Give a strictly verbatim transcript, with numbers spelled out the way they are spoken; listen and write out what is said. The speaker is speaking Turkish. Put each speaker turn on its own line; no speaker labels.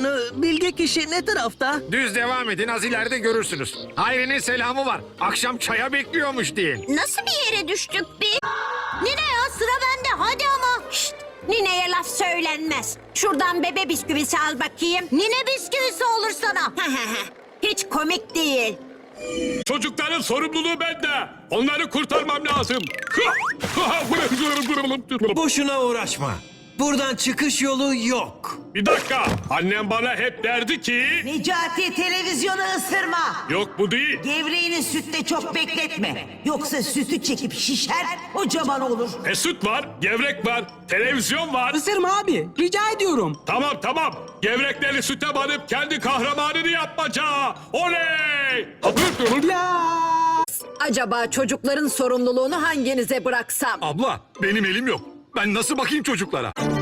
konu. Bilge kişi ne tarafta?
Düz devam edin, az ileride görürsünüz. Hayri'nin selamı var. Akşam çaya bekliyormuş deyin.
Nasıl bir yere düştük biz? Nine ya, sıra bende, hadi ama. Şşt, nineye laf söylenmez. Şuradan bebe bisküvisi al bakayım. Nine bisküvisi olur sana. Hiç komik değil.
Çocukların sorumluluğu bende. Onları kurtarmam lazım.
Boşuna uğraşma. Buradan çıkış yolu yok.
Bir dakika. Annem bana hep derdi ki...
Necati, televizyonu ısırma.
Yok bu değil.
Gevreğini sütte çok bekletme. Yoksa sütü çekip şişer, kocaman olur.
E süt var, gevrek var, televizyon var.
Isırma abi, rica ediyorum.
Tamam tamam. Gevrekleri süte banıp kendi kahramanını yapmaca. Oley!
Ya.
Acaba çocukların sorumluluğunu hanginize bıraksam?
Abla, benim elim yok. Ben nasıl bakayım çocuklara?